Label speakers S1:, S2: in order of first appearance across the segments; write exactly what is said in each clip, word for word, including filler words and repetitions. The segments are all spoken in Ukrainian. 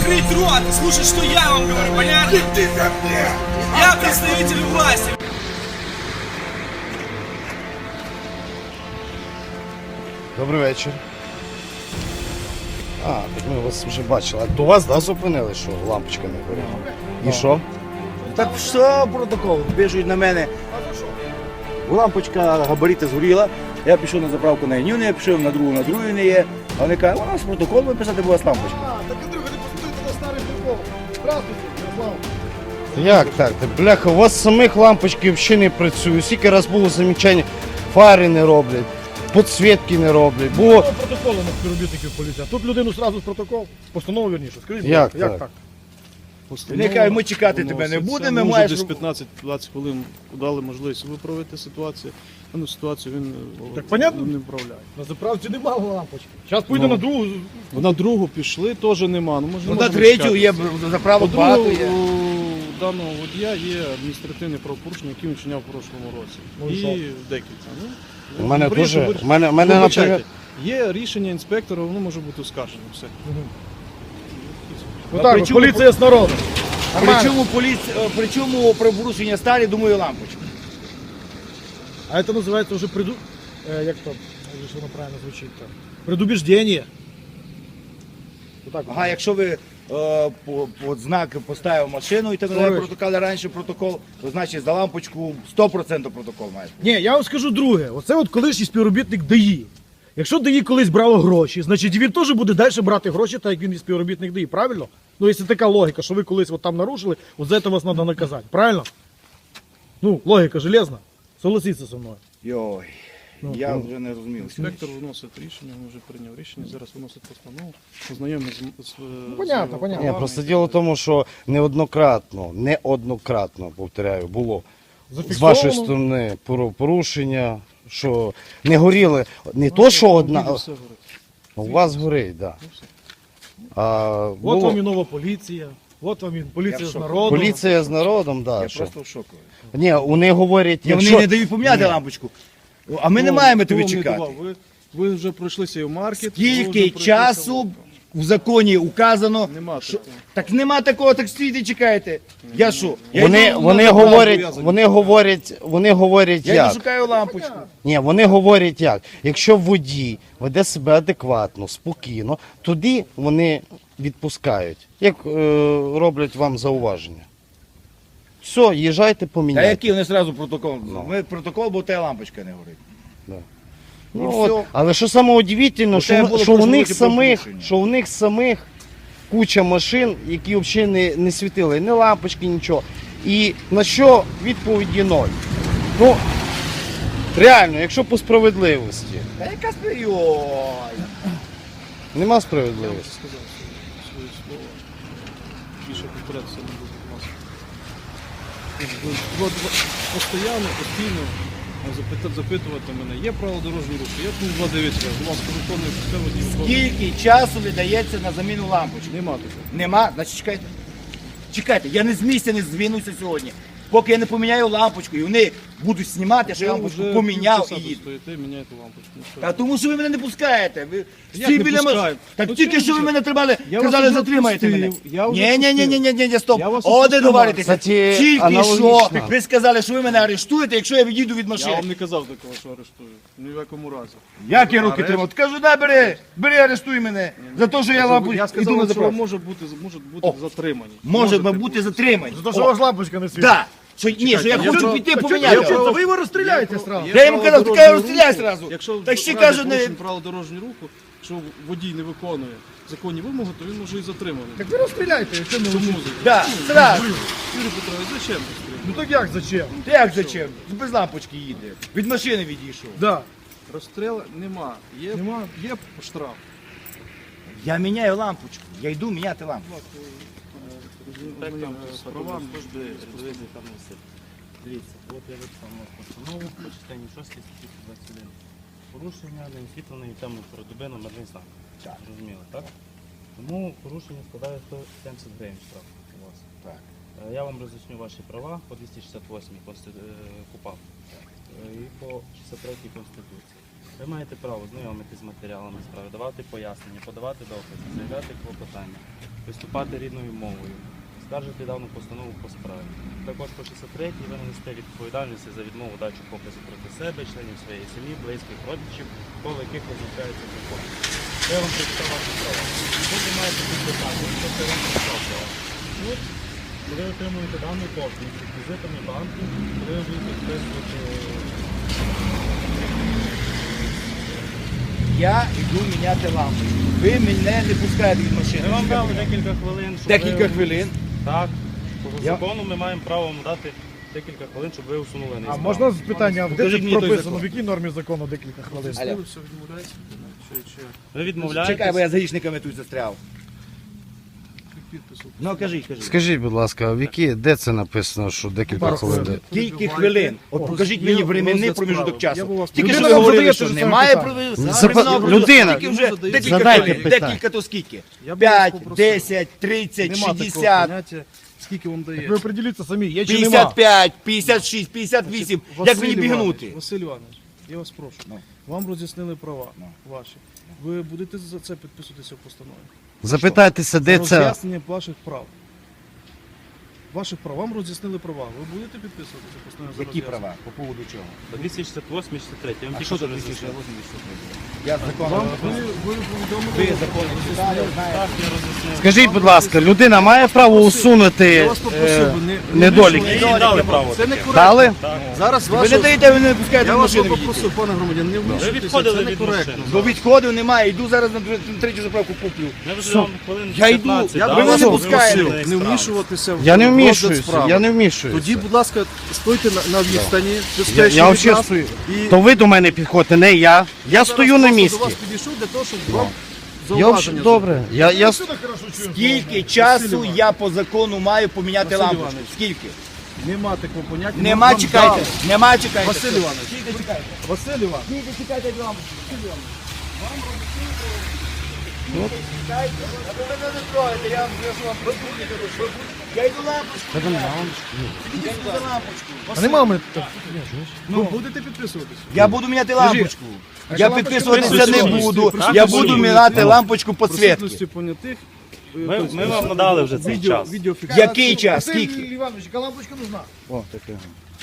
S1: закрыть рот и слушать, что я вам говорю, понятно? Я представитель власти.
S2: Добрий вечір. А, так ми вас вже бачили. А до вас, да, зупинили, що лампочка не горіла? І що?
S3: Так що протокол? Біжуть на мене. Лампочка габарити згоріла. Я пішов на заправку на Інюни, я пішов на другу, на другу не є. А вони кажуть, у нас протокол виписати, була лампочка.
S4: Так, Андрюха, не посмотрите на старий прикол. Здравствуйте, Ярослав.
S2: Як так? Та, бляха, у вас самих лампочки взагалі не працюють. Скільки раз було замічання, фари не роблять, підсвітки не роблять. Було...
S4: Протоколу на співробітників поліції. А тут людину одразу з протокол, постанову вірніше. Скажіть,
S2: Як
S4: як
S2: так?
S4: так?
S3: Вони кажуть, ми чекати тебе не будемо, ми
S5: Може
S3: маєш...
S5: десь п'ятнадцять-двадцять хвилин дали можливість виправити ситуацію. Дану ситуацію він
S4: Так понятно?
S5: не вправляє.
S4: На заправці немає лампочки. Зараз поїде
S5: Ну.
S4: на другу.
S5: На другу пішли, теж нема. Ну, може,
S3: Ну,
S5: не
S3: на
S5: можемо
S3: третю
S5: чекати.
S3: є заправок багато
S5: По-друге,
S3: є.
S5: у даного водія є адміністративне правопорушення, яке він вчиняв в прошлому році.
S4: Ну, і
S5: і
S4: що?
S5: декілька. Ну,
S2: У мене
S5: говорить,
S2: дуже,
S5: говорить.
S2: у мене, у мене,
S5: Вибачайте,
S2: наприклад,
S5: є рішення інспектора, воно може бути оскаржено. Все.
S4: Ну так,
S3: при
S4: от
S3: чому-
S4: поліція з народом. Нормально.
S3: Причому, поліц... Причому про порушення старі, думаю, лампочка.
S4: А це називається вже приду... Е, як то, вже що воно правильно звучить там? Предубіждення. Отак.
S3: Ага, якщо ви е, по, по знак поставив машину і так далі,
S4: Товариш.
S3: протоколи раніше протокол, то значить за лампочку сто відсотків протокол має.
S4: Ні, я вам скажу друге. Оце от колишній співробітник ДАІ. Якщо ДАІ колись брало гроші, значить він теж буде далі брати гроші, так як він і співробітник ДАІ, правильно? Ну, якщо така логіка, що ви колись от там нарушили, от за це вас треба наказати, правильно? Ну, логіка железна. Согласіться зі мною.
S3: Йой,
S4: Ну,
S3: я
S4: ну.
S3: вже не розумів.
S5: Інспектор виносить рішення, він вже прийняв рішення, зараз виносить постанову, ознайомий з, з,
S4: Ну, понятно,
S5: з
S4: понятно.
S2: ні, просто діло в тому, що неоднократно, неоднократно, повторяю, було з
S4: Зафіксовано.
S2: вашої сторони пору- порушення, що не горіли, не то, що одна,
S5: Все говорить.
S2: у вас горить, так.
S5: Ну, все.
S2: А,
S4: От
S2: було-
S4: вам і нова поліція, от вам і поліція
S3: Я в
S4: з
S3: шоку.
S4: народом.
S2: Поліція з народом,
S3: Я
S2: да, що.
S3: просто в шоку.
S2: Ні, вони говорять,
S3: І вони
S2: якщо...
S3: не дають поміняти лампочку. А ми не
S5: Хто-
S3: маємо
S5: хто
S3: тобі
S5: вам не
S3: чекати.
S5: давав? Ви, ви вже пройшлися і в маркет. ви вже
S3: Скільки
S5: пройшлися
S3: часу в законі указано,
S5: Нема
S3: що...
S5: такого.
S3: Так нема такого, так стійте, чекайте. Я що? Я
S2: Вони,
S3: йду
S2: вони
S3: на заправку,
S2: говорять,
S3: я-
S2: вони говорять, вони говорять
S3: Я
S2: як?
S3: йду шукаю лампочку.
S2: Ні, вони говорять як. Якщо водій веде себе адекватно, спокійно, тоді вони відпускають. Як е, роблять вам зауваження. Все, їжджайте,
S3: Та
S2: поміняйте.
S3: який вони одразу протокол?
S2: Ну.
S3: Ми протокол, бо та лампочка не горить.
S2: Ну,
S3: І
S2: от,
S3: все.
S2: але що саме удивительно,
S3: Оце
S2: що,
S3: було
S2: що, у
S3: прошлого
S2: них
S3: року
S2: самих,
S3: порушення.
S2: що у них самих куча машин, які взагалі не, не світили, ні лампочки, нічого. І на що відповіді ноль. Ну, реально, якщо по справедливості,
S3: Та яка спи- Ой.
S2: нема
S5: Я вже
S2: справедливості.
S5: сказав свої, свої слова. Більше повторятися не буду, будь ласка. Ви- ви- ви Постоянно, постійно запит- запитувати мене, є правила дорожнього руху, є пункт два дев'ять, будь ласка, виконує все водій. виконує.
S3: Скільки часу віддається на заміну лампочки?
S5: Нема такого.
S3: Нема? Значить чекайте. Чекайте, я не з місця не звінуся сьогодні. Поки я не поміняю лампочку, і вони будуть знімати, що я
S5: Ви
S3: лампочку
S5: вже
S3: поміняв
S5: півчаса
S3: і
S5: тут
S3: їду.
S5: стоїте, міняєте лампочку. Ну, що?
S3: Та тому що ви мене не пускаєте. Ви
S5: Як
S3: всі
S5: не
S3: біля мене-
S5: пускаю?
S3: Так
S5: Ну,
S3: тільки
S5: чому
S3: що ви
S5: ж?
S3: мене тримали,
S5: Я вас
S3: казали,
S5: вже
S3: затримайте мене.
S5: відпустив. Я вже
S3: Ні, ні, ні, ні, ні, ні, ні, стоп.
S5: Я вас
S3: О,
S5: відпускав.
S3: де говоритеся.
S2: Кстати,
S3: Тільки що
S2: аналогічно.
S3: ви сказали, що ви мене арештуєте, якщо я відійду від
S5: Я
S3: машини.
S5: вам не казав такого, що арештую. Ні в якому разі.
S3: Як я руки
S5: Арешт?
S3: тримав? Кажу, да, бери, бери, арештуй мене. За те, що я лампу
S5: Я
S3: йду
S5: сказав,
S3: на
S5: що ви
S3: заправку.
S5: може бути, можуть бути
S3: О.
S5: затримані.
S3: Може
S5: Можете
S3: бути затримані.
S4: За те, що у вас лампочка не світить.
S3: Так. Що, ні, що я
S5: я
S3: хочу
S5: про-
S3: піти
S5: я
S3: поміняти.
S5: про-
S4: Та ви його розстріляєте сразу.
S3: Я йому казав, така розстріляй зразу.
S5: Якщо
S3: Так ще
S5: в
S3: кажу,
S5: разі
S3: не...
S5: порушень правил дорожнього руху, якщо водій не виконує законні вимоги, то він може і затриманий.
S4: Так ви розстріляйте, якщо не
S5: Чому?
S4: лучше.
S3: Да, зразу.
S5: Юрій Петрович, зачем ви стріляєте?
S4: Ну так як, зачем?
S3: Як зачем? Без лампочки їде. Від машини відійшов.
S4: Да.
S5: Розстрілу нема. Є,
S4: Нема?
S5: є штраф.
S3: Я міняю лампочку. Я йду міняти лампочку.
S5: З правами.
S6: Дивіться, от я виписав на постанову по частині шостій статті двадцять один. Порушення неосвітленої темної передоби номерний знак.
S3: Так.
S6: Зрозуміло, так? Тому порушення складає сто сімдесят гривень штраф у вас.
S3: Так.
S6: Е, Я вам роз'ясню ваші права по двісті шістдесят восьмій Конститу... е, КУПАП е, і по шістдесят третій Конституції. Ви маєте право знайомитися з матеріалами справи, давати пояснення, подавати докази, заявляти клопотання, виступати рідною мовою, скаржити дану постанову по справі. Також по шістдесят третій ви нанесете відповідальність за відмову дачу показу проти себе, членів своєї сім'ї, близьких родичів, коло яких визначається закон. Я вам прочитав ваші права. Тут ви маєте підписати, що це вам прочитав права. Тут ви отримуєте дану копію з реквізитами банку, коли ви будете підписувати.
S3: Я йду міняти лампочку. Ви мене не пускаєте від машини.
S6: Ми вам дали декілька хвилин, щоб
S3: Декілька
S6: ви...
S3: хвилин.
S6: Так. По
S3: Я-
S6: закону ми маємо право вам дати декілька хвилин, щоб ви усунули
S4: А
S6: неісправність.
S4: можна питання, а де
S3: Покажіть
S4: це
S3: мені той
S4: прописано?
S3: закон.
S4: В якій нормі закону декілька хвилин?
S3: Аля.
S5: Ви все відмовляєте? Чи, чи
S6: Ви відмовляєтесь?
S3: Чекай, бо я за гічниками тут застряв.
S5: підпису?
S3: Ну кажіть, кажіть.
S2: Скажіть, будь ласка, в які, де це написано, що декілька
S4: Пару
S2: хвилин?
S4: хвилин.
S3: Скільки хвилин? От покажіть мені временний
S5: розгляд
S3: проміжок
S5: справи. Я
S3: часу.
S5: б у вас-
S3: Тільки що
S4: Людина
S3: ви
S4: вам
S3: говорили,
S4: задає
S3: що
S4: те ж саме
S3: немає
S4: питання.
S3: про-
S2: Запа-
S3: временного проміжку.
S2: людина,
S3: Скільки вже
S5: задайте
S3: декілька
S2: питання.
S3: хвилин.
S2: питання.
S3: Декілька то скільки?
S5: Я б вас
S3: п'ять,
S5: попросив.
S3: десять, тридцять,
S5: Нема такого
S3: шістдесят,
S5: поняття, скільки вам дається.
S4: Ви определіться самі, є чи нема.
S3: п'ятдесят п'ять, п'ятдесят шість, п'ятдесят вісім. Як
S5: Василь
S3: мені
S5: Іванович,
S3: бігнути?
S5: Василь Іванович, я вас прошу.
S3: Ну.
S5: Вам роз'яснили права
S3: Ну.
S5: ваші. Ви будете за це підписуватися в постанові?
S2: Запитайтеся, де це.
S5: Роз'яснення ваших прав. Ваших прав. Вам роз'яснили права. Ви будете підписуватися в постанові? за
S3: Які
S5: роз'яснення?
S3: права? По поводу чого?
S6: По двісті шістдесят восьмій, шістдесят третій. Я вам
S3: А
S6: тільки
S3: що
S6: що
S3: тут
S6: роз'яснив.
S3: Я закон.
S5: Вам ви, ви повідомили.
S3: Ви закон читали, знаєте.
S6: Так, я роз'яснив.
S2: Скажіть, будь ласка, людина має право усунути
S5: Я вас
S2: е,
S5: попросив би не, не
S2: недоліки?
S6: Ми їй дали право.
S5: Це не
S6: таке.
S5: коректно.
S2: Дали?
S5: Зараз
S3: Ви
S5: вашу...
S3: не даєте, ви не пускаєте
S5: Я
S3: в
S5: вас
S3: машину відійти.
S5: попросив, пане громадян, не вмішуйтеся,
S6: відходили
S5: це
S6: від
S5: некоректно.
S6: машини.
S3: Бо відходу немає, йду зараз на тр- на третю заправку куплю.
S6: Ми вже вам хвилин
S3: Я йду,
S6: п'ятнадцять
S3: я-
S6: дали,
S3: ви мене
S6: щоб
S3: не пускаєте.
S6: усунули
S5: Не
S6: неісправність.
S5: вмішуватися в
S2: Я не
S5: розгляд
S2: вмішуюся,
S5: справи.
S2: я не вмішуюся.
S5: Тоді, будь ласка, стойте на, на відстані,
S2: Я,
S5: безпечно
S2: я
S5: від
S2: взагалі
S5: нас.
S2: стою.
S5: І
S2: То ви до мене підходите, не я. Я стою на
S5: зараз просто
S2: місці.
S5: до вас підійшов для того, щоб вам
S2: Я
S5: зауваження
S2: взагалі, добре. Я, я, с-
S3: Скільки часу я по закону маю поміняти
S5: Василь
S3: лампочку?
S5: Іванович.
S3: Скільки?
S5: зробити. Нема такого поняття.
S3: Нема,
S5: Вам
S3: чекайте.
S5: дали.
S3: Нема, чекайте.
S5: Василь Іванович.
S3: Скільки чекайте?
S5: Василь Іванович.
S3: Скільки чекайте від лампочки? Василь Іванович. Вам роз'яснили. Чекайте. А ви мене не трогаєте, я вам скажу вам продукти кажу. Я йду лампочку. Я йду за лампочку.
S4: А нема в мене так.
S5: Ну, будете підписуватися?
S3: Я буду міняти лампочку. Я
S4: лампочка
S3: підписуватися не
S6: присутності,
S3: буду.
S6: присутності.
S3: Я буду міняти лампочку підсвітки.
S5: Присутності понятих. е,
S6: Ми,
S5: тобто,
S6: ми вам надали вже цей
S5: відео,
S6: час.
S5: відеофіксацію.
S3: Який час?
S4: Василь
S3: Скільки?
S4: Іванович, яка лампочка нужна?
S3: О, таке.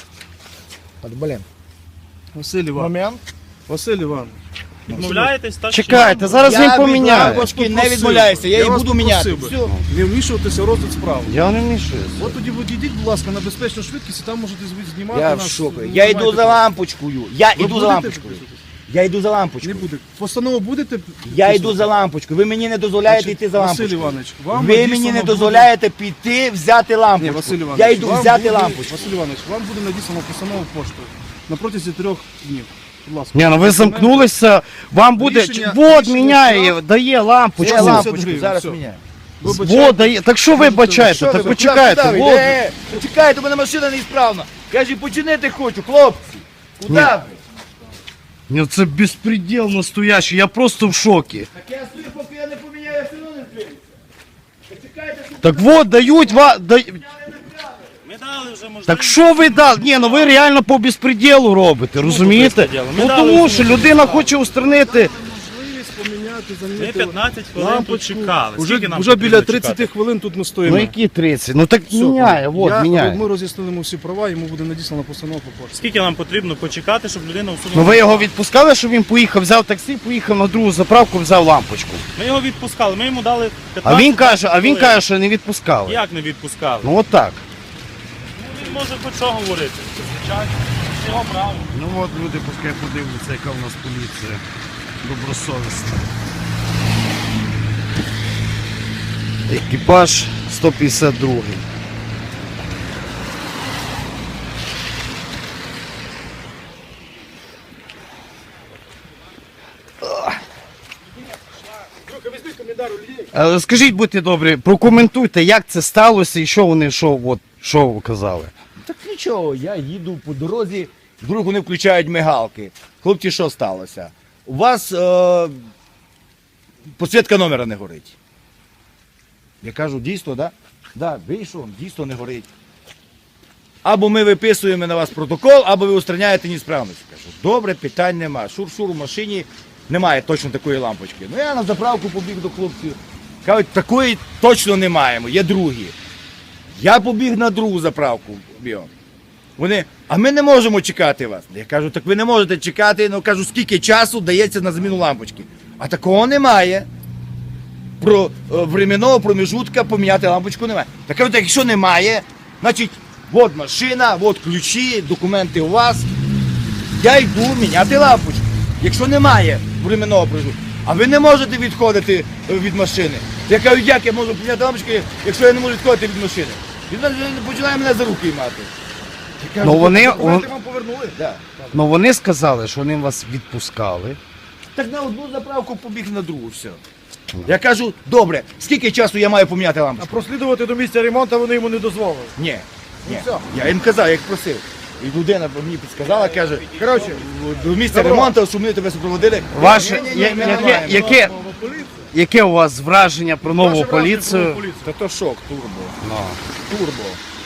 S4: От, блін.
S5: Василь Іванович.
S4: Момент.
S5: Василь Іванович.
S6: Відмовляєтесь, так? чи ні?
S2: чекайте, зараз він
S3: Я від
S2: поміняє.
S3: лампочки не
S5: Попросив
S3: відмовляюся,
S5: би.
S3: я її
S5: вас
S3: буду міняти.
S5: попросив би.
S3: Все.
S5: Не вмішуватися в розгляд справи.
S2: Я не вмішуюся.
S5: От тоді відійдіть, будь ласка, на безпечну швидкість, і там можете звідси знімати
S3: Я в
S5: нас.
S3: шоку.
S5: Ну,
S3: Я йду
S5: маєте
S3: за
S5: право.
S3: лампочкою. Я
S5: Ви
S3: йду за
S5: будете
S3: лампочкою.
S5: підписуватися?
S3: Я йду за
S5: Не
S3: лампочкою.
S5: буде. Постанову будете?
S3: Я
S5: підписувати?
S3: йду за лампочкою. Ви мені не дозволяєте
S5: Значить,
S3: йти за
S5: Василь
S3: лампочкою.
S5: Іванович, вам
S3: Ви
S5: надіслано
S3: мені не
S5: буде-
S3: дозволяєте піти взяти
S5: Ні,
S3: лампочку.
S5: Василь Іванович,
S3: Я йду
S5: вам
S3: взяти
S5: буде-
S3: лампочку.
S5: Василь Іванович, вам буде надіслано постанову поштою на протязі трьох днів. Будь ласка.
S2: Ні, ну ви замкнулися, вам буде.
S5: Рішення-
S2: Вот
S5: рішення
S2: міняє,
S5: штраф.
S2: дає лампочку.
S3: Я
S5: лампочку,
S3: лампочку зараз
S5: все.
S3: міняю.
S2: Вот дає. Так що ви бачаєте?
S3: Що
S2: Так
S3: ви,
S2: почекайте.
S3: куди ви?
S2: Вот.
S3: Е, Чекайте, у мене машина неісправна. Кажі, починити хочу, хлопці. Куди
S2: Ні.
S3: ви?
S2: Ні, це безпреділ настоящий, я просто в шокі.
S3: Так я стою, поки я не поміняю, я все одно не зберуся. Почекайте, що
S2: Так вот, дають вам. Да...
S6: Ми дали вже можливість.
S2: Так що ви дали? Ні, ну ви реально по безпреділу робите, розумієте?
S6: безпреділу? Ми
S2: Ну
S6: дали
S2: тому
S6: всім
S2: що людина хоче устранити.
S5: можливість поміняти,
S6: Ми
S5: замінити
S6: п'ятнадцять хвилин тут
S5: лампочку.
S6: чекали.
S5: Уже,
S6: Скільки нам
S5: уже біля
S6: потрібно
S5: тридцять
S6: чекати?
S5: хвилин тут ми стоїмо.
S2: Ну які тридцять? Ну так
S5: Все,
S2: міняє, вот,
S5: я,
S2: міняє.
S5: Ми роз'яснили йому всі права, йому буде надіслана постанова по пошті.
S6: Скільки нам потрібно почекати, щоб людина усунула?
S2: Ну ви його відпускали, щоб він поїхав, взяв таксі, поїхав на другу заправку, взяв лампочку.
S6: Ми його відпускали, ми йому дали
S2: А
S6: п'ятнадцять
S2: він каже, а він
S6: хвилин.
S2: каже, що не відпускали.
S6: Як не відпускали?
S2: Ну от так.
S6: Ну, він може хоч що говорити. Це звичайно. Це його право.
S2: Ну от люди пускай подивляться, яка в нас поліція добросовісна. Екіпаж сто п'ятдесят два. Е, Скажіть, будьте добрі, прокоментуйте, як це сталося і що вони, що, от, що ви казали.
S3: Так нічого, я їду по дорозі, вдруг вони включають мигалки. Хлопці, що сталося? У вас е, підсвітка номера не горить. Я кажу, дійсно, так? Да? Да, вийшов, дійсно не горить. або ми виписуємо на вас протокол, або ви устраняєте несправність. Кажу, добре, питань нема. Шур-шур у машині немає точно такої лампочки. Ну я на заправку побіг до хлопців. Кажуть, такої точно не маємо, є другі. Я побіг на другу заправку. Бігом. Вони, а ми не можемо чекати вас. Я кажу, так ви не можете чекати, ну кажу, скільки часу дається на заміну лампочки. А такого немає. Про е, временного проміжутка поміняти лампочку немає. Так кажу, так якщо немає, значить, от машина, от ключі, документи у вас. Я йду міняти лампочку. Якщо немає временного проміжутка, а ви не можете відходити е, від машини. Я кажу, як я можу поміняти лампочку, якщо я не можу відходити від машини? Він починає мене за руки мати. Я кажу,
S2: Ну вони,
S4: Документи вам повернули?
S3: да.
S2: ну вони сказали, що вони вас відпускали.
S3: Так на одну заправку побіг на другу, все. Я кажу, добре, скільки часу я маю поміняти
S4: А
S3: лампочку?
S4: прослідувати до місця ремонту вони йому не дозволили.
S3: Ні, ні.
S4: все.
S3: Я їм казав, я їх просив. І людина мені підсказала, каже,
S4: Коротше,
S3: до місця
S4: Добро.
S3: ремонту, щоб ми тебе супроводили.
S2: Ваше,
S3: Ні-ні-ні,
S2: я-
S3: ми
S2: яке,
S3: маємо.
S2: яке,
S4: нова поліція.
S2: яке у вас враження про нову
S4: Ваше враження про
S2: поліцію?
S4: нову поліцію.
S3: Та то шок, турбо.
S2: Ну.
S3: Турбо.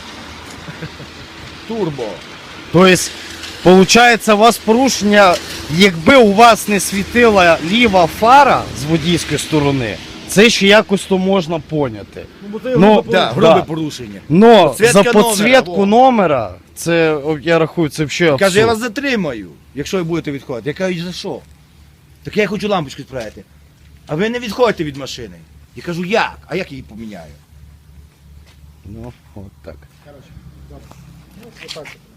S3: Турбо.
S2: Тобто, виходить, у вас порушення, якби у вас не світила ліва фара з водійської сторони, це ще якось то можна поняти.
S4: Ну, бо це
S2: Ну,
S4: грубе
S3: Да,
S4: порушення.
S3: грубе
S2: Да.
S3: порушення.
S2: Но
S3: Підсвітка
S2: за
S3: номера,
S2: підсвітку
S3: во.
S2: номера, це, о, я рахую, це взагалі
S3: Каже, я вас
S2: абсурд.
S3: затримаю, якщо ви будете відходити. Я кажу, за що? Так я хочу лампочку справити. А ви не відходите від машини. Я кажу, як? А як я її поміняю?
S2: Ну, от так.
S4: Коротше, добре. Ну, отак.